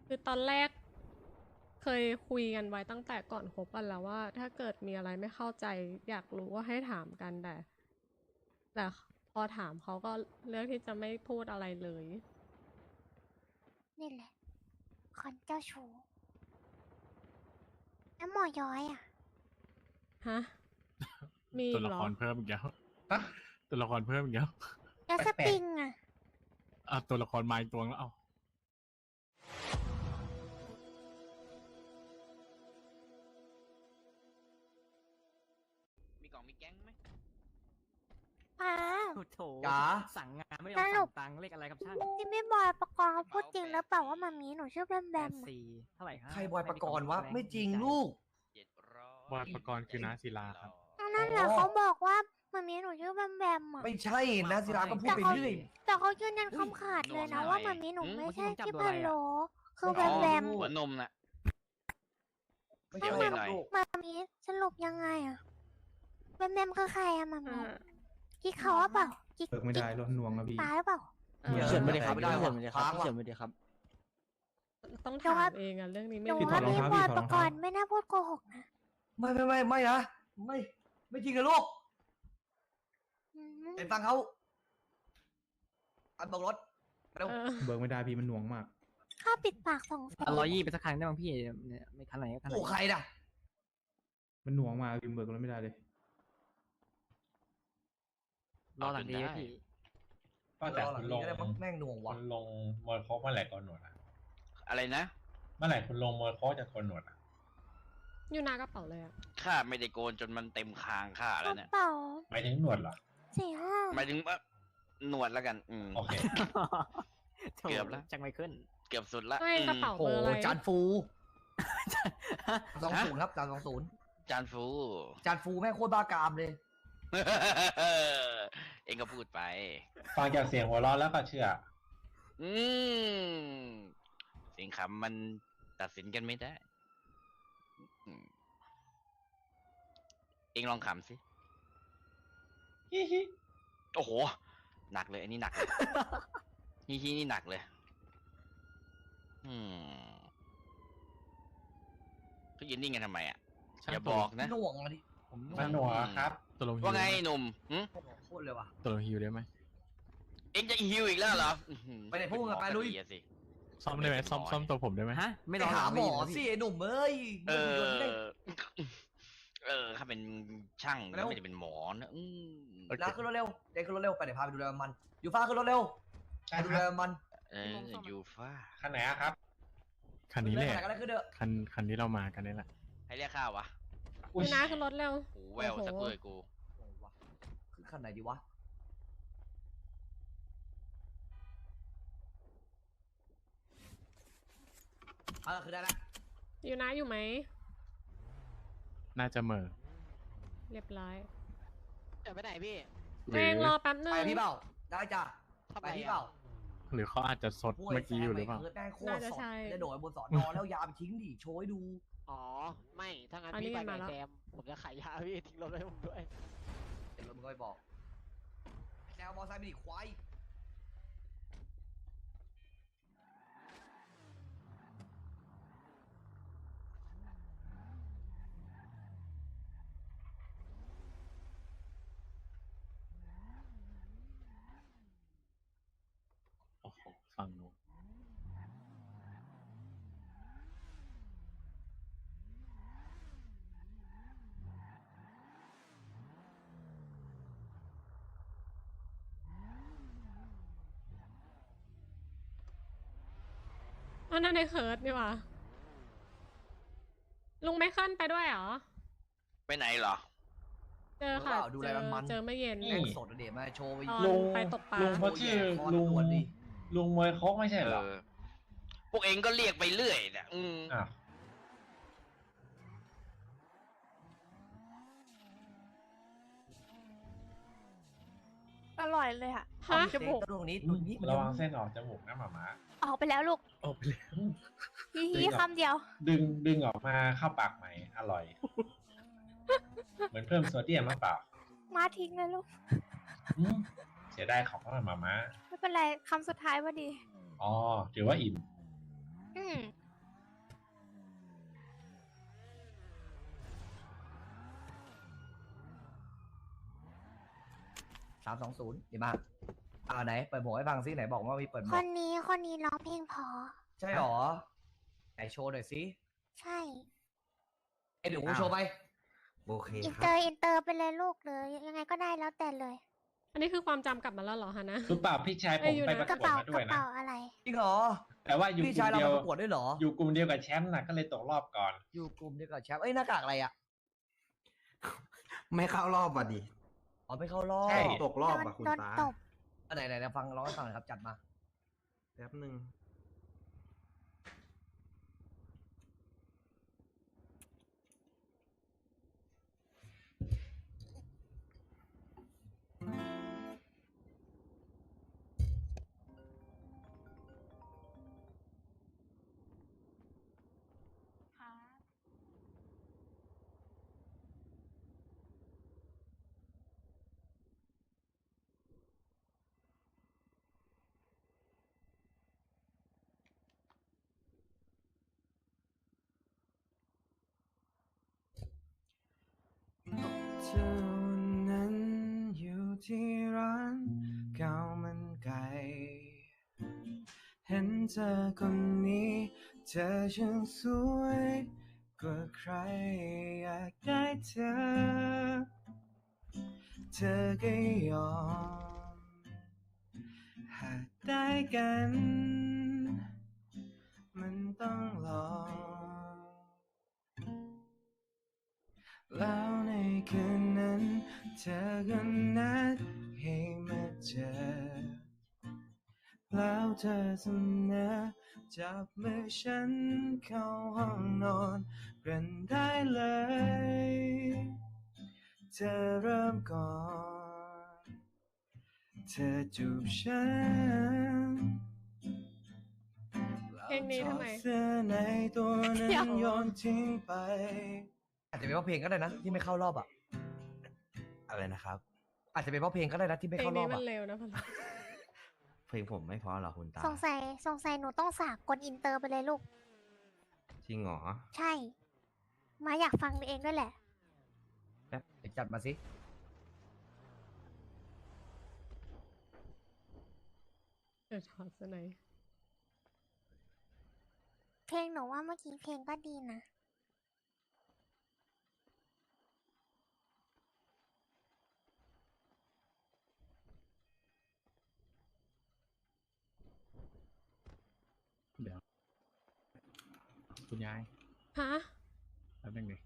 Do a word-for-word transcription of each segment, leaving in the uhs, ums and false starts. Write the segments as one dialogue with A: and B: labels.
A: คือตอนแรกเคยคุยกันไว้ตั้งแต่ก่อนคบกันแล้วว่า ถ้าเกิดมีอะไรไม่เข้าใจอยากรู้ก็ให้ถามกันแต่แต่พอถามเขาก็เลือกที่จะไม่พูดอะไรเลย
B: นี่แหละคนเจ้าชู้แล้วหมอย้อยอ่ะ
A: ฮะ มี
C: ตัว
A: อีก
C: ละ
A: เหร
C: ค
A: อ
C: รเพิ่มอีกแล้วตัวละครเพิ่มอีกแล้ว
B: แล้วสปริงอ่ะ
C: อ่ะตัวละครมาอีกตัวแล้วเอา
D: มีกล่องมีแก๊งไหม
B: ป้า
E: โอ้โถ
F: จ๋า
E: สั่งงานไม่ยอ
B: ส
E: ม
B: รุ
E: สั่
B: ป
E: งตังค์เลขอะไรครับช่าง
B: ที่ไม่บอยประกรณ์เขาพูดจริงแล้วเปล่าว่ามามีหนูชื่อแบมแบ
E: แป
B: ม
E: ด
B: อะ
E: สี่เท่าไหร่ฮะ
F: ใครบอยปกรณ์วะ
E: แง
F: ไม่จริง
E: ใจ
F: ลูก
D: เจ็ดร้อย
C: บอยปกรณ์คือน้าศิลาครับ
B: นั่นแหละเขาบอกว่ามามีหนูชื่อแบมแบมอ่ะ
F: ไม่ใช่นะศิลาก็พูดไปเรื่อย
B: แต่เขายืนยันคำขาดเลยนะว่ามามีหนูไม่ใช่ที่พะโลคือแบ
D: อ๋อ
B: มแบม
D: หัวนมน่ะ
F: ไม่
D: เดี๋
F: ใช่
D: ยว
F: ครับ
D: หน่อย
F: ลูก
B: มามีสรุปยังไงอ่ะแบมแบมคือใครอะมามี
A: อ่า
B: กิ๊กเขาว่าเปล่ากิ๊ก
G: เบิกไม่ได้รถหน่วงแล้วพี่
B: ตายหรือเปล่า
A: เออ
F: เฉินไม่ได้ครับ
G: ไม่ได้
F: เฉิน
G: ไม่
F: ไม่
G: ได้
F: ได้
G: ค
F: ค
G: รั
F: รั
G: บบ พี่เฉินไม่ได้ครับ
A: ต้อง
B: แต่
A: ถา
B: ว่า
A: มเองอะเรื่องนี้
B: ห
A: ไม่
B: นู
A: รู้
G: ถอ
B: ว่า
G: ดรอง
B: พี่
G: เท้า
B: บอย
G: พี่ถ
B: ป
G: อดรอง
B: ก
G: เท้า
B: รณ์ไม่น่าพูดโกหกนะ
F: ไม่ไม่ไม่ไม่นะ ไม่ ไม่จริงนะลูก
B: อืม
F: เห็นฟังเขาอันบอกรถเร็ว
A: เออ
G: เบิกไม่ได้พี่มันหน่วงมาก
B: ค่าปิดปากสองแสน
E: ร้อยยี่ไปสักครั้งได้บ้างพี่เนี่ยไม่คันไหนก็คันไหน
F: โอ้ใครน่ะ
G: มันหน่วงมากพี่เบิกรถไม่ได้เลย
E: รอหลังดีไหมพี่
H: ก็แต่
F: รอหลั
H: คุ
F: ง
H: ณล
F: นี้
H: ง
F: ก็ได้มั้งแม่งหน่วง
H: คุ
F: ว่ะ
H: ณลงมวยโคกเมื่อไหร่ก่อนหนวดอ่ะ
D: อะไรนะ
H: เมื่อไหร่คุณลงมวยโคกจะโกนหนวดอ่ะ
A: อยู่หน้ากระเป๋าเลยอะ
D: ข้าไม่ได้โกนจนมันเต็มคางข้าก แล้ว
B: ระ
D: เนี่ย
B: เป๋า
H: หมายถึงหนวดเหรอ
B: สี่ห้า
D: หมายถึงว่าหนวดแล้วกัน อืม
H: โอเค
D: เกือบแล้ว
E: จังไม่ขึ้น
D: เกือบสุดละ
A: เฮ้ยกระเป๋า
F: โอ้
A: เบอร์อะไร
F: จานฟูสองศูนย์ครับจานสองศูนย์
D: จานฟู
F: จานฟูแม่งโคตรบ้ากามเลย
D: เองก็พูดไป
H: ฟังจากเสียงหัวเราะแล้วก็เชื่อ
D: อืมเสียงขำมันตัดสินกันไม่ได้อืมเองลองขำสิ
H: ฮิฮิ
D: โอ้โห หนักเลย อันนี้หนักเลย ฮีฮีนี่หนักเลย อืมเขายืนนิ่งกันทำไมอ่ะ
C: ช่าง
D: อย่าบอกนะ
F: หน่วงอะดิผมหน่ว
H: มัน
F: ง
H: หนวดครับ
C: ตัวลงฮิว
D: ว่าไงหนุ่มหึ
F: โคตรเลยว่ะ
C: ตัวลงฮิวได้ไหม
D: เอ็งจะฮิวอีกแล้วเหรออื้อหือ
F: ไปไหนพวกมึงอะไปลุย
D: เป็นหมอก็ดีอะสิ
C: ซ่อมได้ไหมซ่อมซ่อมตัวผมได้ไหม
E: ฮะ ไม่
F: ไป
E: รอ
F: หาหมอ
E: ลังดี
F: สิ
E: เหร
F: ไอ้หนุ่มเอ้ย
D: เออ
F: มึงอยู่ที่ไหน
D: เออข้าเป็นช่าง
F: แล้ว
D: ไม่ได้เป็นหมอนะอืม
F: นะขึ้นรถเร็วเด็กขึ้นรถเร็วไปเดี๋ยวพาไปดูแลมัน อยู่ฟ้าขึ้นรถเร็วไปดูแลมัน
D: เออยูฟ่า
H: คันไหนอะครับ
C: คันนี้แหละ
F: เรื่องอะไรก็ได้ขึ้นเถอะ
C: คันคันที่เรามากันนี่แหละ
D: ให้เรียกข้าววะ
H: อุ๊
A: อย ยู่หน้าขึ้นรถเร็ว
D: หูแววสักเลยกู
F: โอ้วะขึ้นขั้นไหนดีวะเอาละคือได้แล้ว
A: อยู่หน้าอยู่ไหม
C: น่าจะเหม่อ
A: เรียบร้อย
E: จะไปไหนพี่
C: ห
A: เอ
C: รื
A: งรอแป๊บนึ
F: ไป
A: ง
F: พี่เปล่าได้จ้ะไปพี่เปล่า
C: หรือเขาอาจจะซดเมื่อกี้อยู่หรือเปล่า
F: แม่งโคตร
A: น่าจะ
F: สด
A: ใช่
F: จะโดดบนสอนอแล้วยาไปทิ้งดิโชว์ให้ดู
I: อ๋อ ไม่ ถ้างั้น
A: อันนี้
I: พี่ไป
A: มา
I: กับ
A: แล้ว
I: แซม ผมจะขายยาพี่ทิ้งรถไว้ให้ผมด้วย
F: เดี๋ยวมึงก็ไปบอกแนวมอไซค์ไม่ดิควาย
C: โอ้โหฝั่งนู้น
A: อันนั้นในเคิร์ดนี่หว่าลุงไม่ขึ้นไปด้วยเหรอ
D: ไปไหนเหรอ
A: เจอค่ะ
F: ดู
A: เจ
F: แล
A: อ
F: มัน
A: เจอเมื่อเย็น
H: นี่
F: แม่งสดอะเดี๋ยวมาโชว์ไป
A: ตอน
H: ลุง
A: ไปตกปลา
H: ลุงเขาชื่อ
F: โอ้ย
H: ลุง
F: คอตรวจดิ
H: ลุงมวยโคกไม่ใช่เหรอ
D: เออ พวกเองก็เรียกไปเรื่อยเนี่ยอืม
H: อ้าว
B: อร่อยเลยอ่ะ
A: ฮะ
F: จมูกตรงนี้ตรงนี้มัน
H: ระวังเส้นออกจมูกนะหมาม้า
B: ออกไปแล้วลูก
C: โอ้ไปเลย
B: ฮีฮีคำเดียว
H: ดึงดึงออกมาเข้าปากใหม่อร่อย เหมือนเพิ่มโซเดียมมาเปล่า
B: มาทิ้งเลยลูก
H: อืมเสียดายของมาหมาม้า
B: ไม่เป็นไรคำสุดท้ายพอดี
H: อ๋อถือว่าอิ่ม
B: อืม
F: สามสองศูนย์ดีมากอ่าไหนเปิดหมวกให้ฟังซิไหนบอกว่ามีเปิดหม
B: คว
F: ก
B: นนี้คนนี้ร้องเพลงเพอ
F: ใช่หรอไหนโชว์หน่อยสิ
B: ใช่
F: ไอ้เดี๋ยวกูโชว์ไป
J: โอเค
B: อิน
J: ค
B: เตอ
J: รับ
B: ร์อินเตอร์ไปเลยลูกเลยยังไงก็ได้แล้วแต่เลย
A: อันนี้คือความจำกลับมาแล้วเหรอฮะนะ
H: รู้เปล่าพี่ชายผ
A: เอ้ย
H: ม
A: อยู่
H: ไป
A: นะ
H: ประ
B: กระ
H: กวด
B: เป๋า
H: มาด้
B: ก
H: วย
B: ระ
H: นะ
B: เป๋าอะไร
F: จริงเหรอ
H: แต่ว่าอยู่
F: พี่
H: กลุ่
F: ชาย
H: ม
F: เรา
H: เดียว
F: มาประกวดด้วยเหรอ
H: อยู่กลุ่มเดียวกับแชมป์น่ะก็เลยตกรอบก่อน
F: อยู่กลุ่มเดียวกับแชมป์เอ้ยหน้ากากอะไรอ่ะ
J: ไม่เข้ารอบอ่ะดิ
F: อ๋อไม่เข้ารอบ
H: ใช่
J: ตกรอบอ่ะคุณ
B: โดน
J: ตา
B: ตบ
F: อันไหนไหนไหนฟังร้องให้ฟังหน่อยครับจัดมา
J: แป๊บหนึ่ง เจ้านั้นอยู่ที่ร้านข้าวมันไก่เห็นเธอคนนี้เธอช่างสวยกว่าใครอยากได้เธอเธอก็ยอมหากได้กันมันต้องลอง แล้วในคืนนั้นเธอก็นัดให้มาเจอแล้วเธอเสนอจับมือฉันเข้าห้องนอนกันได้เลยเธอเริ่มก่อนเธอจูบฉัน
A: เพลงนี้ทำไม
J: เสื้อในตัวนั้
A: เดี๋ย
J: น
A: ว
J: โยนทิ้งไป
F: อาจจะเป็นเพราะเพลงก็ได้นะที่ไม่เข้ารอบอ่ะ
J: อะไรนะครับ
F: อาจจะเป็นเพราะเพลงก็ได้นะที่ไม่
A: เพลง
F: เข้ารอ
A: นี้
F: บ
A: มั
F: อ่ะ
A: นเร็วนะพัน
J: เพลงผมไม่เพราะหรอคุณตา
B: สงสัยสงสัยหนูต้องสากกดอินเตอร์ไปเลยลูก
J: จริงเหรอ
B: ใช่ มาอยากฟังเองด้วยแหละ
F: เดี๋ยวจัดมาสิ
A: เดี๋ยวถอดซะหน่อย
B: เพลงหนูว่าเมื่อกี้เพลงก็ดีนะ
C: เดี๋ยว คุณยาย
A: ฮะ
C: แป๊บนึงดิ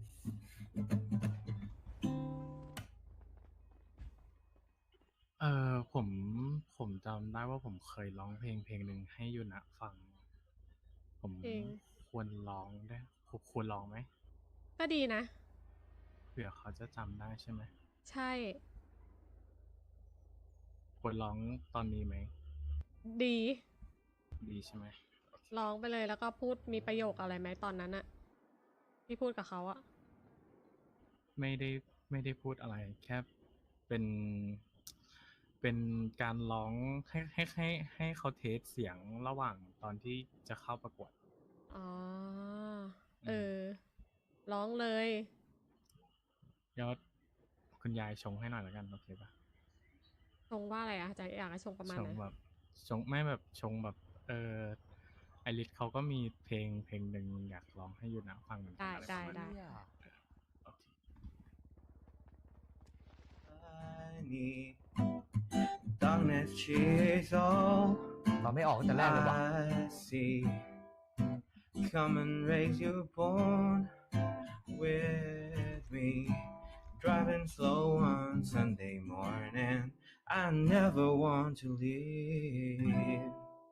C: เออผมผมจำได้ว่าผมเคยร้องเพลงเพลงหนึ่งให้ยูนะฟัง ผม
A: เพลง
C: ควรร้องได้ควรร้องไหม
A: ก็ดีนะ
C: เผื่อเขาจะจำได้ใช่ไหม
A: ใช่
C: ควรร้องตอนนี้ไหม
A: ดี
C: ดีใช่ไหม
A: ร้องไปเลยแล้วก็พูดมีประโยคอะไรไหมตอนนั้นอะที่พูดกับเขาอะ
C: ไม่ได้ไม่ได้พูดอะไร แค่เป็น เป็นการร้องให้ให้ให้ให้เขาเทสเสียงระหว่างตอนที่จะเข้าประกวด
A: อ๋อ เออ ร้องเลย
C: ยอดคุณยายชงให้หน่อยแล้วกัน โอเคปะ
A: ชงว่าอะไรอะจะอยากให้ชงประมาณ
C: ช
A: ไห
C: ง
A: น
C: แบบชงไม่แบบชงแบบ เออไอริสเขาก็มีเพลงเพลงหนึ่งอยากร้องให้ยูนะฟังเหมือนกั
A: ได้
C: อะไร
A: ได้
C: ประมาณ
A: ได้
C: นี้โอเค
J: Darkness she's all
F: เราไม่ออกตั้งแต่แรกเลยว่ะ
J: I see. Come and raise your bone with me. Driving slow on Sunday morning. I never want to leave.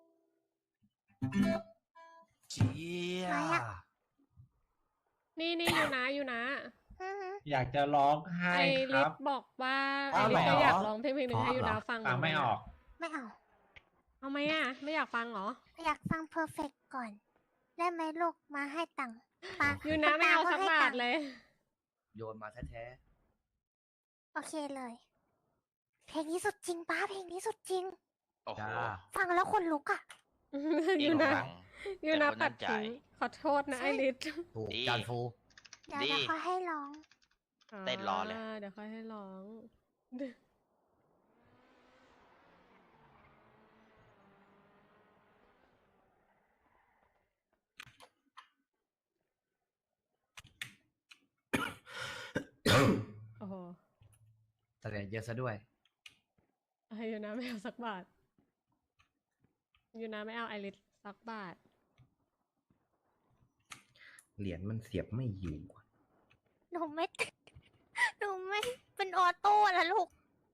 F: เจี๊ย
B: มาอะ
A: นี่นี่อยู่นะอยู่นะ
B: อือหือ
H: อยากจะร้องไห้
A: ไอ
H: ค
A: ริ
H: รั
A: ส
H: บ
A: บอกว่าไอ
F: อ้าว
A: ริส
F: เหรอ
A: ก็อยากร้องเพลงเพลงหนึ่งให้ยูนะฟัง
H: ฟังไม่ออก
B: ไม่เอา
A: เอาไหมอะไม่อยากฟังเหรอ
B: อยากฟังเพอร์เฟกก่อน ได้ไหมลูกมาให้ตังค์ปา
A: ยูนะไม่เอาสัก
B: ให้
A: บา
B: ตั
A: ท
B: งค์
A: เลย
F: โยนมาแท้
B: โอเคเลย เพลงนี้สุดจริงป้าเพลงนี้สุดจริง
D: โอ้
F: ๆ
D: โห
F: จ้า
B: ฟังแล้วคนลุกอ่ะ
A: ยูนะ
D: ฟัง
A: ยูนะ
D: แต่คน
A: ปั
D: นั้
A: ด
D: นใจ
A: ทิ้งขอโทษนะไอริส
F: ถูก
D: ดี
F: จานฟู
B: เดี๋ยว
D: ดี
B: เดี๋ยวเขาให้ร้อง
D: เต้นรอเลย
A: าเดี๋ยวค่อยให้ร้อง
F: เยอะซะด้วย
A: เอ้ยยูนาไม่เอาสักบาทยูนาไม่เอาไอริสสักบาท
K: เหรียญมันเสียบไม่อยู่อะ
B: หนูไม่ หนูไม่เป็นออโต้แล้วลูก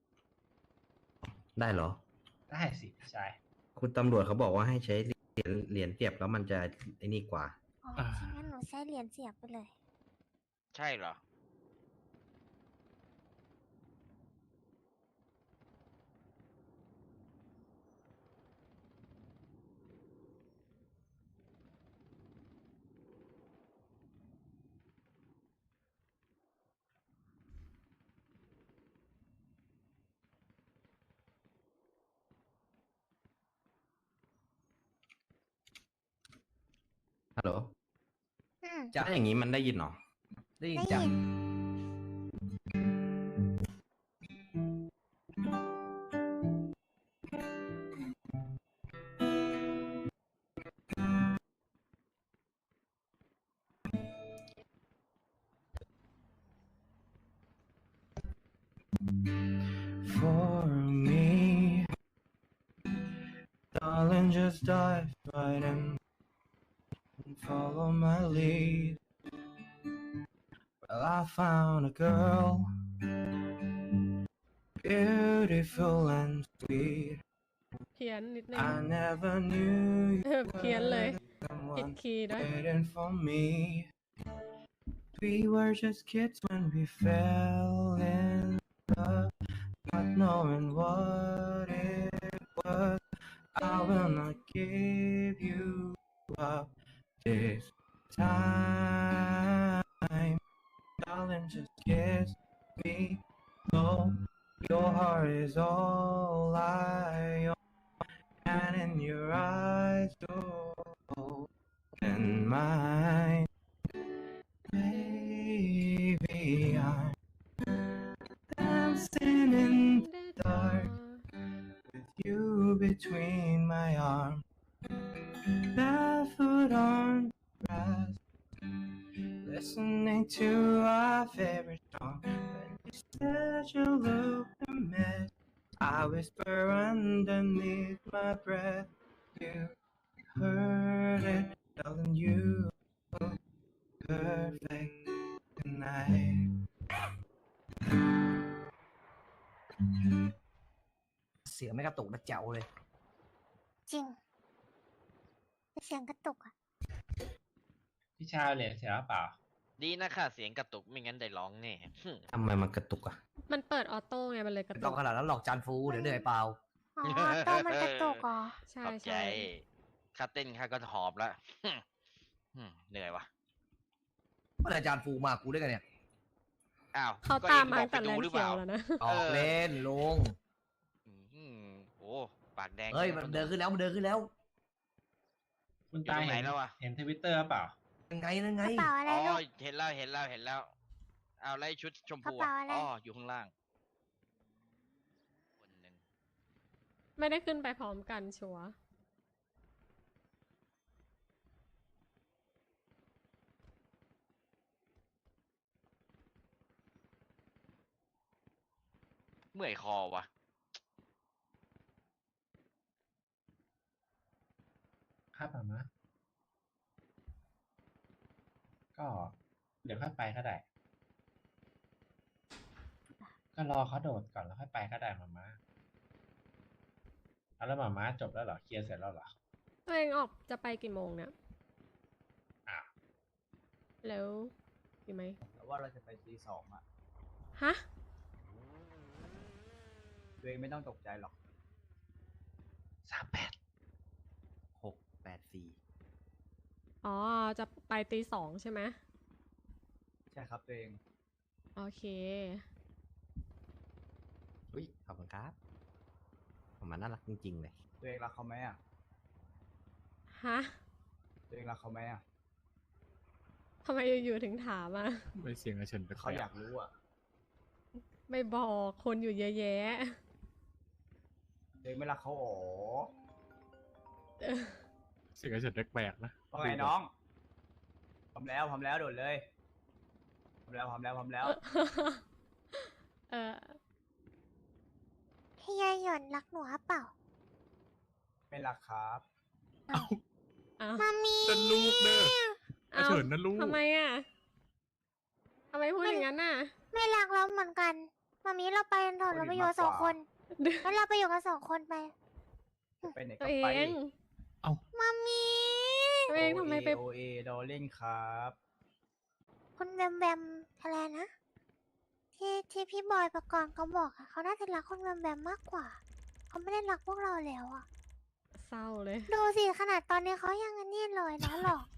K: ได้เหรอ
H: ได้สิพี่ชาย
K: คุณตำรวจเขาบอกว่าให้ใช้เหรียญเหรียญเสียบแล้วมันจะไอ้นี่กว่า
B: อ๋องั้นหนูใช้เหรียญเสียบไปเลย
D: ใช่เหรอ
K: ฮัลโหล
B: อืม
K: ถ้าอย่างนี้มันได้ยินเหรอ
F: ได้ยิน
B: ได้
F: จ้ะ
B: ยิน
J: For me, darling, just dive right in and follow my lead. Well, I found a girl, beautiful and sweet.
A: เพี้ยนนิดนึง
J: I never knew
A: เออ
J: you
A: เพี้ยนเลย
J: were
A: ผิด
J: someone
A: คีย์ด้วย
J: waiting for me. We were just kids when we fell in love, not knowing what it was. I will not give you up this time. Darling, just kiss me slow. Your heart is all I own, and in your eyes, oh, and mine. Baby, I'm dancing in the dark with you between my arms, barefoot on grass, listening to our favorite song. When you said you looked a mess, I whisper underneath my breath. You heard it, darling, you look perfect tonight.
F: เสียงไม่กระตุกนะแจ๋วเลย
B: จริง เสียงกระตุกอะ
H: พี่ชายเอาเหรียญเสียหรือเปล่า
D: ดีนะค่ะเสียงกระตุกไม่งั้นได้ร้องแน่ หึ
K: ทำไมมันกระตุกอ่ะ
A: มันเปิดออโต้ไงมันเลยกระ
F: ไม่
A: ตุ
F: ต้อง
A: ก
F: ขนาดนั้นหรอกจานฟูเดี๋ยวเหนื่อยเปล่า
B: อ๋อออโต้มันกระตุกเหรอ
A: ใช่
D: ขอบใจ
A: ใช่
D: ค่าเต้นค่าก็หอบแล้วหึหึเหนื่อยวะ
F: เมื่อไหร่จานฟูมากูด้วยกันเนี่ย
D: อ้าว
A: เขา
D: ก็
A: ตาม
D: อง
A: มา
D: บอ
A: ตั้
D: ก
A: งแต่
D: ไป
A: แล
D: ดู
A: น
D: หรือ
A: เขี
D: เป
A: ยว
D: ล่า
A: แล้วนะ
F: ออกเล่นลุง
D: อืมโอ้ปากแดง
F: เฮ้ยมันเดินขึ้นแล้วมันเดินขึ้นแล้ว
H: คุณตา
D: อยู่ตรงไหน
H: เห็น
D: แล้วอะ
H: เห็นทวิตเตอร์เปล่า
F: ยังไงยังไง
B: กระเป๋าอะไร
D: อ๋อ
B: ลูก
D: เห็นแล้วเห็นแล้วเห็นแล้ว เอาไล่ชุดชมพู
B: กระเป๋าอะไร
D: อ๋ออยู่ข้างล่างคนหนึ่ง
A: ไม่ได้ขึ้นไปพร้อมกันชัวร์
D: เมื่อยคอวะ
H: ครับมามะก็เดี๋ยวค่อยไปก็ได้ ก็รอเขาโดดก่อนแล้วค่อยไปก็ได้มาม่าเอาแล้วมาม่าจบแล้วเหรอ เคลียร์เสร็จแล้วเหรอ
A: ตัวเองออกจะไปกี่โมงเนี่ย
H: อ้าว
A: แล้วอยู่ไหม
F: แต่ว่าเราจะไปตีสองอ่ะ
A: ฮะ
F: ตัวเองไม่ต้องตกใจหรอก
H: สามแปด
K: หกแปดสี่
A: อ๋อ จะไปตีสองใช่ไหม
F: ใช่ครับตัวเอง
A: โอเค
K: อุ้ย ขอบคุณครับ ผมมันน่ารักจริงๆเลย
F: ตัวเองรักเขาไหมอ่ะ
A: ฮะ
F: ตัวเองรักเขาไหมอ่ะ
A: ทำไมอยู่ๆถึงถามอ่ะ
C: ไม่เสียงกระเฉินไป
F: เขาอยากรู้อ่ะ
A: ไม่บอกคนอยู่เยอะแยะ
F: ตัวเองไม่รักเขาอ๋อ
A: เออ
C: เสียงกระเฉินแปลกๆนะ
F: ว่าไงน้องพร้อมแล้วพร้อมแล้วโดดเลยพร้อมแล้วพร้อมแล้วพร้อมแล้ว
A: เออ
B: พี่ยายหย่อนรักหนูหรือเปล่า
F: ไม่รักครับ
A: อ้าว
B: มามี
C: นั่นลูกเด้ออาเฉินนั่นลูก
A: ทำไมอ่ะทำไมพูดอย่างนั้นน่ะ
B: ไม่รักเราเหมือนกันมามีเราไปกันเถอะเราไปอยู่กันสองคนแล้วเราไปอยู่กันสองคนไป
F: ไปไหน
A: ตั
F: ก็
A: วเอ
F: ไป
A: ง
B: มามี
A: ตัวเองทำไมไป
F: โอเอดอลเล่นครับ
B: คุณแบมแบมอะไรนะ ที่ที่พี่บอยประกรณ์เขาบอกอะเขาน่าจะรักคุณแบมแบมมากกว่า เขาไม่ได้รักพวกเราแล้วอะ
A: เศร้าเลย
B: ดูสิขนาดตอนนี้เขายังอันนี้เลยนะหรอก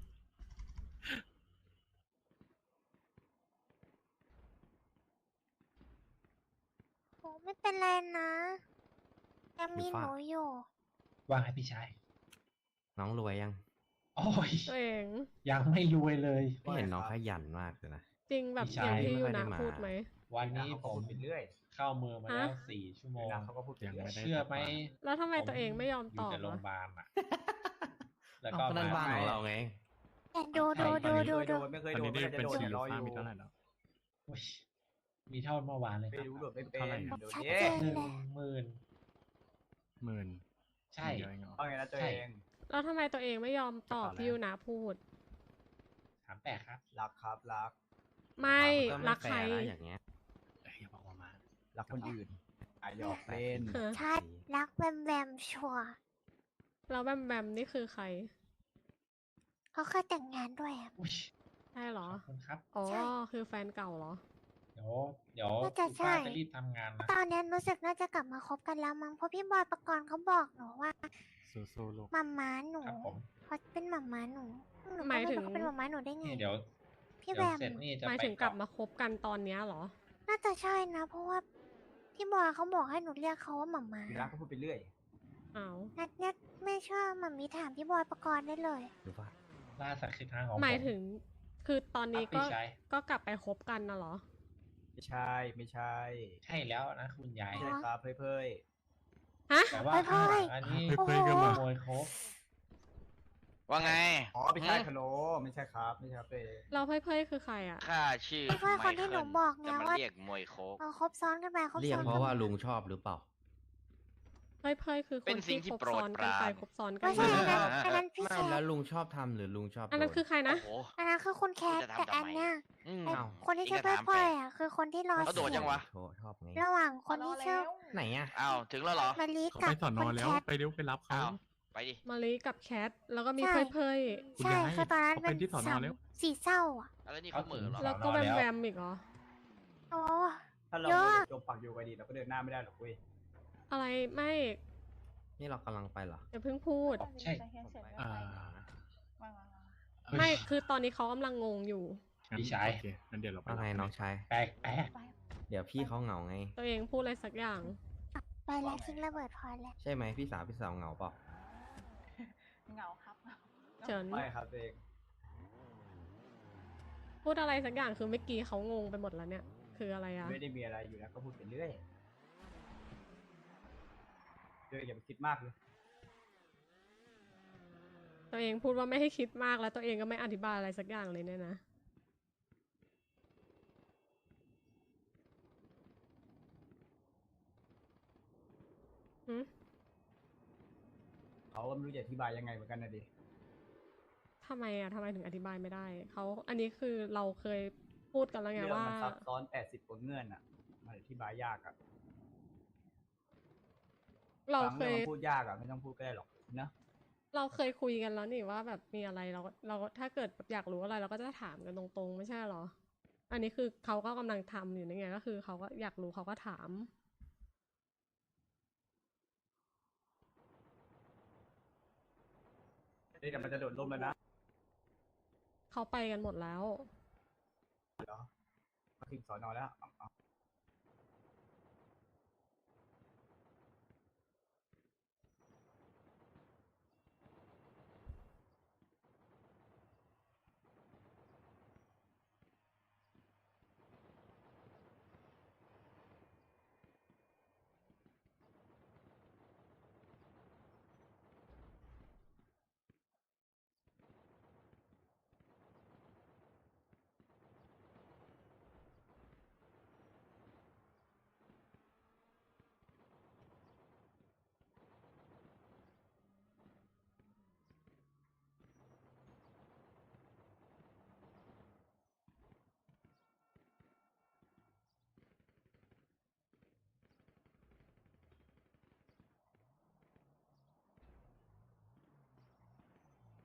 B: โอ้ไม่เป็นไรนะยังมีหนูอยู่
H: ว่าไงพี่ชาย
K: น้องรวยยัง
H: โอ้ย
A: ตัวเอง
H: ยังไม่รวยเลย
K: พี่เห็นน้องขยันมากเลยนะ
A: จริงแบบ
H: พี่
A: อย่าง
H: ชาย
A: ที่
K: ไม่
A: ยู
K: ค่อยได้
A: นะ
K: มา
A: พูดไหม
H: วันนี้
F: เขา
H: ผ
F: ก็พู
H: ม
F: ดไปเรื่อย
H: เข้าเมืองมาแล้ว
A: ฮะ
H: สี่ชั่วโมง
F: นะเขาก็พูดไป
C: ยัง
F: เรื่อย
C: ไม่ได้
H: เชื่อไหม
A: แล้วทำไมตัวเองไม่ยอม
H: อ
A: ต
H: ยู่
A: อบ
H: แต่โรงพ
A: อ่ะ
H: ยาบาลอ่ะ แล้ว
K: เอา
H: ก็
K: ก็นั่น
H: มา
K: บ้านของเราไง
B: แต่ดูดูดูดู
F: ไม่เคยโด
B: ดู
F: นไม่เคย
C: ตอน
F: โดน
C: นี้ได้
F: ไม่เคย
C: เป็น
F: โดน
C: ชี
F: เดี๋ยวรออ
C: ฟ้า
F: ยู่
C: มีเท่าไหร่แล้ว
H: โอ้ยมีเท่าเมื่อวานเลยค
F: ไม่
H: รับ
F: รู้โดดไม่เป็น
C: เท่าไหร่อะ
F: เดี๋ยว
B: ชัด
F: นี้
B: เจน
H: หนึ่ง
B: เลย
H: หมื่น
C: หมื่น
H: ใช่
C: เดียวเองเหรอ
F: เอาไงนะตัว
H: ใช่
F: เอง
A: แล้วทำไมตัวเองไม่ยอมตอบ
C: กระเป๋า
A: ที่ยูนะพูด
H: ถามแปลกครับ
F: รักครับรัก
A: ไม่
K: ก็
A: รักใคร
K: แฟนะอย่างเงี้ย
C: เอ้ยอย่าบอกว่ามา
F: รักคนอื่นอ่ะหยอกเล่น
A: เออ
B: ชัดรักแบมแบมชัวร์
A: แล้วแบมแบมนี่คือใคร
B: เขาเคยแต่งงานด้วยอะ
H: อุ้ย
A: ใช่เหรอ
H: ขอบคุณครับ
A: อ๋อ
B: ใช่
A: คือแฟนเก่าเหรอ
H: เดี๋ยว เดี๋ยว
B: น่าจะ
H: คุณป้า
B: ใช่
H: จะรีบทำงานนะ
B: ตอนนี้รู้สึกน่าจะกลับมาคบกันแล้วมั้งเพราะพี่บอยประกรณ์เขาบอกหนูว่า
C: สู้ๆลูก
B: หมาม้าหนู
H: ครับผม
B: เขาเป็นหมาม้าหนูหนูก็
A: หมายถึง
B: ไรู้เขาเป็นหมาม้าหนูได้ไง
H: นี่เดี๋ยว
B: พี่
H: เดี๋ยว
B: แบม
H: เสร็จนี่จะ
A: หมาย
H: ไป
A: ถึงกลับ
H: เาะ
A: มาคบกันตอนเนี้ยเหรอ
B: น่าจะใช่นะ เพราะว่าพี่บอยเขาบอกให้หนูเรียกเขาว่าหมาม้า
F: รักก็พูดไปเรื่อย
A: อ้าว
B: นัดเนี้ยไม่ชอบหมามีถามพี่บอยประกรณ์ได้เลย
K: หรือว่า
H: ล่าสัตว์คือทางของ
A: หมาย
H: ผ
A: ถึง คือตอนนี้
H: ครับ
A: ก็
H: พี่ชาย
A: ก็กลับไปคบกันนะเหรอ
F: ไม่ใช่ไม่ใช่
H: ใช่แล้วนะคุณยาย
F: ไม่ใช่ครับเพ่ย
A: ฮะ
H: แต่ว่า
B: เฮ้ย
H: ข้างหลังอันนี้
A: โอ้โห
H: ขโมยครบ
D: ว่าไง
F: ๆอ๋อไม่ใช่คาโนไม่ใช่ครับไม่ใช่ครับตัวเอง
A: เราเพ่ยๆคือใครอ่ะ
D: ข้าชื่อ
B: ไม่ใช่คนที่หนู
D: ไมเคิล
B: บอกไง
D: จะมา
B: ว่า
D: เรียกมวยโคก
B: เอาคบซ้อนกันไปคบ
K: เรียก
B: ซ้อน
K: เพ
B: กัน
K: ราะว่า
B: มา
K: ลุงชอบหรือเปล่า
A: เพ่ยๆคือค
D: เป็น
A: น
D: สิ่
A: ที่
D: งที่
A: คบ
D: โปรด
A: ซ้อนกัน
D: ป
A: ไป
D: ราน
A: คบซ้อนกัน
B: ไม่ใช่
A: มา
B: อันนั้นอันนั้นพี่
K: ไม่
B: แค
K: แล้ว
B: ท
K: ลุงชอบทำหรือลุงชอบ
A: อันนั้น
K: โด
A: คือใครนะ
D: โอ้โห
B: อันนั้นคือคุณแคท
D: จะ
B: แต่
D: ทำทำไม
B: อันเนี้ย
D: อืม
B: ไอ้
K: อ้าว
B: คนที่ชื่อ
D: อี
B: เพ่
D: ก
B: ย
D: ก็ถาม
B: ๆอ่ะคือคนที่รอ
D: เขาโดด
B: เสี
D: ยังวะ
K: โชว์ชอบไง
B: ระหว่างคนที่ชื่อ
K: ไหนอ่ะ
D: อ้าวถึงแล้วเหรอ
B: มาลี
C: เขา
B: กั
C: ไป
B: บ
C: สอน
B: คุ
C: อ
B: ณ
C: แล้
B: แคว ท
C: ไปเร็วไปรับเขา
D: อ้าวไปดิ
A: มารีกับแคท แล้วก็มี
B: ใช่
A: เพ่ย
C: คุณ
B: ใช่
C: ยาย
B: คือตอนนั้น
C: เขา
B: เป็
C: ไป
B: น
C: ที่สอนอ
B: สาม
C: แล้ว
B: สี่เศร้าอ่ะ
D: แล้วนี่เขาเหมือเหรอ
A: ๆแล้วก็แวมแวมๆอีกเหรอ
B: โอ้
F: ถ้าเรา
B: เยอะ
F: จมปักอยู่กันดีเราก็เดินหน้าไม่ได้หรอกเว้ย
A: อะไรไม่
K: นี่เรากำลังไปเหรอ
A: อย่าเพิ่งพูด
H: ใช่
C: อ่า
A: ไม่ คือตอนนี้เขากำลังงงอยู่
C: งั้น
H: พี่ชาย
C: โอเคงั้นเดี๋ยวเราไป
K: ว่าไง
C: รับ
K: น้องชาย
H: แปลกแปลก
K: เดี๋ยวพี่เขาเหงาไง
A: ตัวเองพูดอะไรสักอย่าง
B: ไปแล้วทิ้งระเบิดพอแล้ว
K: ใช่ไหมพี่สาวพี่สาวเหงาเปล่า
L: เหงาครับ
A: เฉิน
F: ไม่ครับตัวเอง
A: พูดอะไรสักอย่างคือเมื่อกี้เขางงไปหมดแล้วเนี่ย คืออะไรอะ
F: ไม่ได้มีอะไรอยู่แล้วก็พูดไปเรื่อยเดี๋ยวอย่าไปคิดมากเลย
A: ตัวเองพูดว่าไม่ให้คิดมากแล้วตัวเองก็ไม่อธิบายอะไรสักอย่างเลยเนี่ยนะ หืม
F: เขาก็ไม่รู้จะอธิบายยังไงเหมือนกันนะดิ
A: ทำไมอะทำไมถึงอธิบายไม่ได้ เขา อันนี้คือเราเคยพูดกันแล้วไง
F: เรื่อง
A: ว่า
F: มันซับซ้อนแปดสิบกว่าเงื่อนอ่ะมันอธิบายยากอ่ะ
A: เรา
F: บาง
A: เค
F: เรื่อย งมันพูดยากอ่ะไม่ต้องพูดก็ได้หรอกนะ
A: เราเคยคุยกันแล้วนี่ว่าแบบมีอะไรเราก็เราถ้าเกิดแบบอยากรู้อะไรเราก็จะถามกันตรงๆ ไม่ใช่เหรอ อันนี้คือเขาก็กำลังทำอยู่นี่ไงก็คือเขาก็อยากรู้เขาก็ถาม
F: เดี๋ยวมันจะโดดร่มแล้วนะ
A: เขาไปกันหมดแล้ว
F: เหรอมาถึงสอนอแล้วเอาเอา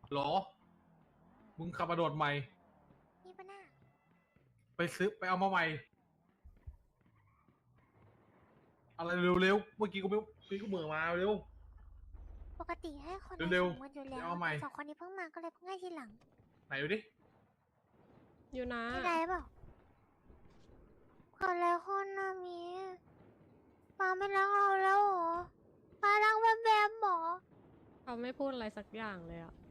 M: หรอ มึงขับมาโดดใหม่
B: นี่ปะน่ะ
M: ไปซื้อไปเอามาใหม่ อะไรเร็วๆ เมื่อกี้กูไม่เมื่อกี้กูเหมือมาเร็ว
B: ปกติให้คน
M: เร็ว
B: สองคนอยู่แล้ว
M: เอาใหม่
B: แต่สองคนนี้เพิ่งมาก็เลยเพิ่งให้ทีหลัง
M: ไหนดูดิ
A: อยู่นะ
B: ไม่ได้เปล่าเกิดอะไรขึ้นนะมีป้าไม่รักเราแล้วเหรอป้ารักแบมแบมเหรอ
A: เขาไม่พูดอะไรสักอย่างเลยอะ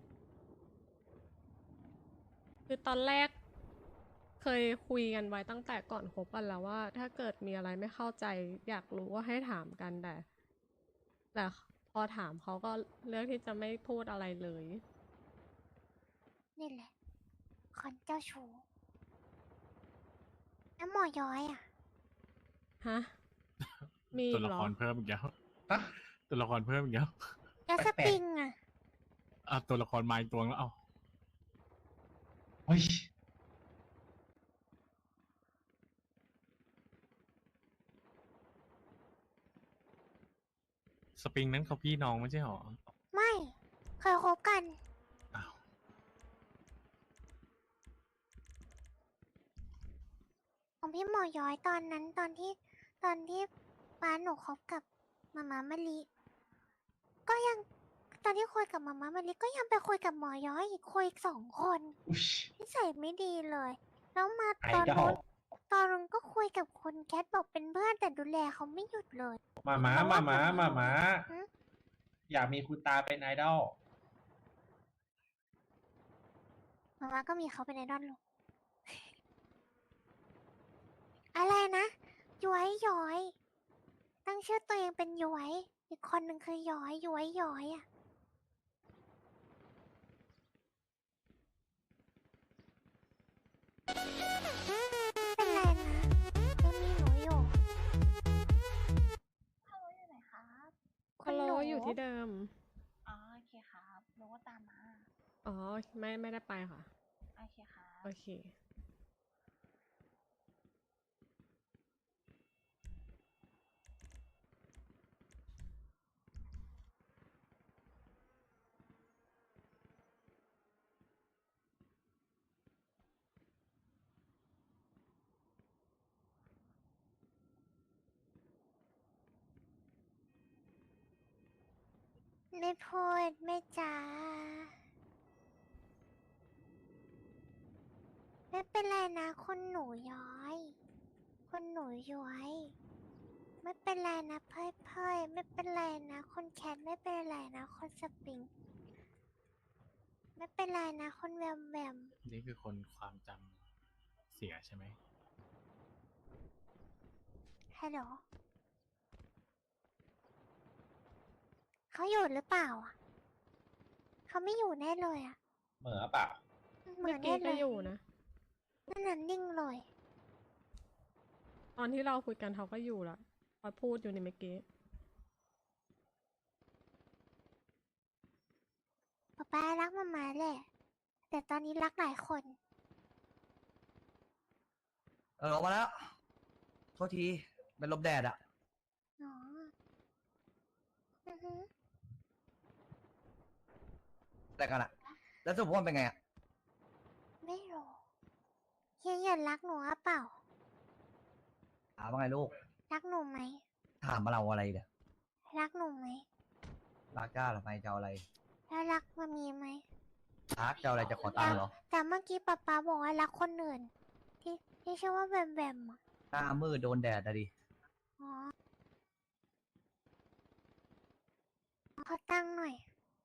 A: คือตอนแรก เคยคุยกันไว้ตั้งแต่ก่อนคบกันแล้วว่า ถ้าเกิดมีอะไรไม่เข้าใจ อยากรู้ว่าให้ถามกันแต่ แต่พอถามเขาก็เลือกที่จะไม่พูดอะไรเลย
B: นี่แหละ คนเจ้าชู้แล้วหมอย้อยอ่ะ
A: ฮะ มีอี
C: ตัว
A: ก
C: ละ
A: เหร
C: ค
A: อ
C: รเพิ่มอีกแล้วตัวละครเพิ่มอีกแล้ว
B: แล้วสปริงอ่ะ
C: อ่ะตัวละครมาอีกตัวแล้วเอ้า
H: เฮ้ย
C: สปริงนั้นเขาพี่น้องไม่ใช่หรอ
B: ไม่ เคยคบกัน
C: อ้าว
B: ของพี่หมอย้อยตอนนั้นตอนที่ตอนที่ป้าหนูคบกับมาม่ามะลิก็ยังตอนที่คุยกับมาม่ามะลิก็ยังไปคุยกับหมอย้อยอีกคุยอีกสองคนนิสัยไม่ดีเลย แล้วมาตอน
H: ไอดอล
B: นู้นตอนนู้นก็คุยกับคุณแคทบอกเป็นเพื่อนแต่ดูแลเขาไม่หยุดเลย
H: มาม้ามาม้ามาม้า
B: หึ
H: อยากมีคุณตาเป็นไอดอล
B: มาม่าก็มีเขาเป็นไอดอลลูก อะไรนะย้อยย้อย ตั้งชื่อตัวเองเป็นย้อย อีกคนหนึ่งคือย้อยย้อยย้อยอ่ะ เป็นไรนะยังมีหนูอยู่
L: ฮัลโหลอยู่ไหนครับ
A: ฮัลโหลอยู่ที่เดิม
L: อ๋อโอเคครับหนูก็ตามมา
A: อ๋อ ไม่ไม่ได้ไปค่ะ
L: โอเคครับ
A: โอเค
B: ไม่พูดไม่จาไม่เป็นไรนะคุณหนูย้อยคุณหนูย้อย ไม่เป็นไรนะเพ่อยเพ่อยไม่เป็นไรนะคุณแคทไม่เป็นไรนะคุณสปริง ไม่เป็นไรนะคุณแวมแวม
C: นี่คือคนความจำเสียใช่ไหม
B: ฮัลโหลเขาอยู่หรือเปล่าอ่ะเขาไม่อยู่แน่เลยอ่ะ
H: เหมือเปล่า
B: เหมื
A: เมื่
B: อ
A: อน กี้
B: แน่เล
A: ก็
B: ย
A: อยู่นะ
B: นั่นน่ะนิ่งเลย
A: ตอนที่เราคุยกันเขาก็อยู่ละพอพูดอยู่ในเมื่อกี้
B: ป๊าป๊ารักมามาแหละ แต่ตอนนี้รักหลายคน
F: เออออกมาแล้ว โทษที เป็นลมแดดอะ
B: อ๋ออือฮึ
F: แต่กันอะแล้วสรุปว่ามันเป็นไงอะ
B: ไม่รู้เฮียอย่ารักหนูอะเปล่า
F: ถามว่าไงลูก
B: รักหนูไหม
F: ถามมาเราอะไรเนี่ย
B: รักหนูไหม
F: รักจ้าหรือไม่จะเอาอะไร
B: แล้วรักมามีไหม
F: รักจะเอาอะไรจะขอตังค์เหรอ
B: แต่เมื่อกี้ป๊าป๊าบอกว่ารักคนอื่น ที่ที่ชื่อว่าแบมแบมอะ
F: หน้ามืดโดนแดดอะดิ
B: อ๋อขอตังค์หน่อย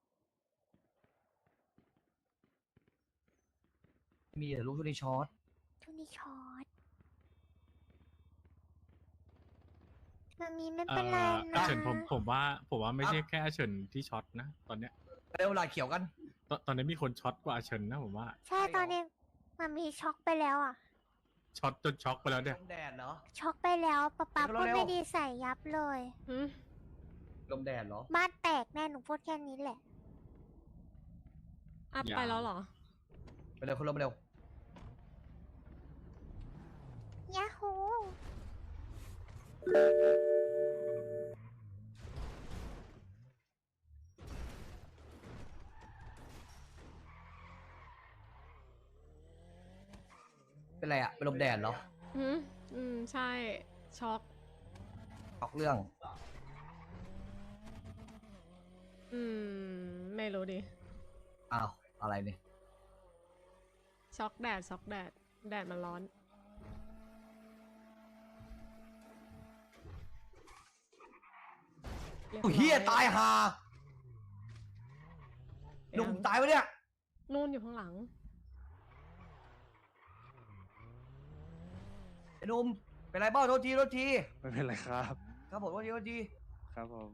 F: มีแต่ลูกชุดนี้ช็อต
B: ทุนนี้ช็อตมามีไม่
C: เอ่
B: เป็นไร
C: ออา
B: นะ
C: เฉินผมผมว่า ผมว่าไม่ใช่แค่อาเฉินที่ช็อตนะ ตอนเนี้ย
F: เร็วลายเขียวกัน
C: ตอนตอนนี้มีคนช็อตกว่าอาเฉินนะผมว่า
B: ใช่ตอนนี้มามีช็อกไปแล้วอ่ะ
C: ช็อตจนช็อกไปแล้วเนี่ย
F: ลมแดดเหรอ
B: ช็อกไปแล้วป๊าป๊า
F: เดี๋ยว
B: พูด
F: เร็วๆ
B: ไม่ดีใส่ยับเลย
A: หืม
F: ลมแดดเหรอ
B: บ้านแตกแน่หนูพูดแค่นี้แหละ
A: อัพ
C: อย่า
A: ไปแล้วเหรอ
F: ไปเร็วคุณลมเร็ว
B: ยาฮู
F: เป็นไรอะเป็นลมแดดเหรอ
A: อืมอืมใช่ช็อก
F: ออกเรื่อง
A: อืมไม่รู้ดิ
F: อ้าวอะไรเนี่ย
A: ช็อกแดดช็อกแดดแดดมันร้อนรีบ
F: โอ้เฮีย
A: ร้อ
F: ตายห่าหนุ่มตายวะเนี่ย
A: นู่นอยู่ข้างหลัง
F: ไอ้หนุ่มเป็นไรบ้างโทษทีโทษที
J: ไม่เป็นไรครับ
F: ครับผมโทษทีโทษที
J: ครับผม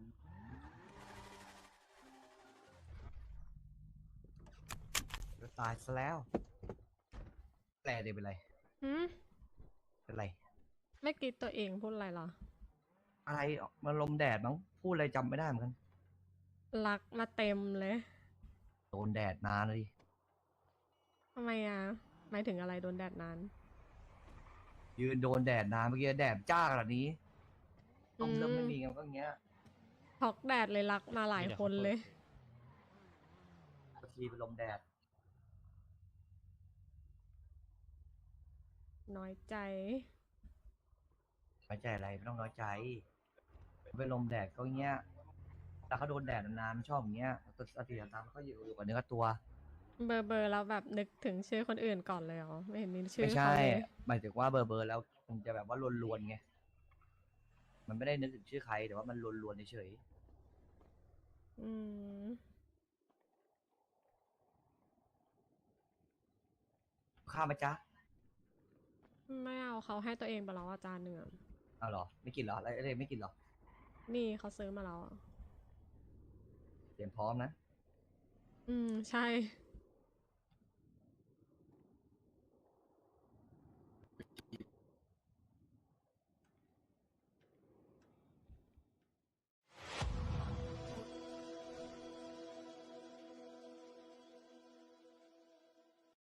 F: ตายซะแล้วแปลเดี๋ยวเป็นไร
A: หืม
F: เป็นไร
A: ไม่กรีดตัวเองพูดอะไรเหรอ
F: อะไรมันลมแดดมั้งพูดอะไรจำไม่ได้เหมือนกัน
A: รักมาเต็มเลย
F: โดนแดดนานเลยดิ
A: ทำไมอ่ะหมายถึงอะไรโดนแดดนาน
F: ยืนโดนแดดนานเมื่อกี้แดดจ้าขนาดนี้ต้มเริ่ม
A: อืม
F: ไม่มีกันก็อย่างเงี้ย
A: ช็อกแดดเลยรักมาหลายคนเลย
F: บางทีเป็นลมแดด
A: น้อยใจ
F: น้อยใจอะไรไม่ต้องน้อยใจเป็นลมแดดก็อย่างเงี้ยแต่เขาโดนแดดนานๆมันชอบอย่างเงี้ยตัวสติสตางค์เขาอยู่อยู่กับเนื้อกับตัว
A: เบอร์เบอร์แล้วแบบนึกถึงชื่อคนอื่นก่อนเลยเหรอไม่เห็นมีชื่อ
F: ไม่
A: เขา
F: ใช่
A: เลย
F: หมายถึงว่าเบอร์เบอร์แล้วมันจะแบบว่าลวนๆไงมันไม่ได้นึกถึงชื่อใครแต่ว่ามันลวนๆเฉย
A: อืม
F: ๆข้าวไหมจ๊ะ
A: ไม่เอาเขาให้ตัวเองไปแล้วอาจารย์หนึ่งอะ
F: เอาเหรอไม่กินเหรออะไรอะไรไม่กินเหรอ
A: นี่เขาซื้อมาแล้วอะ
F: เตรียมพร้อมนะ
A: อืมใช่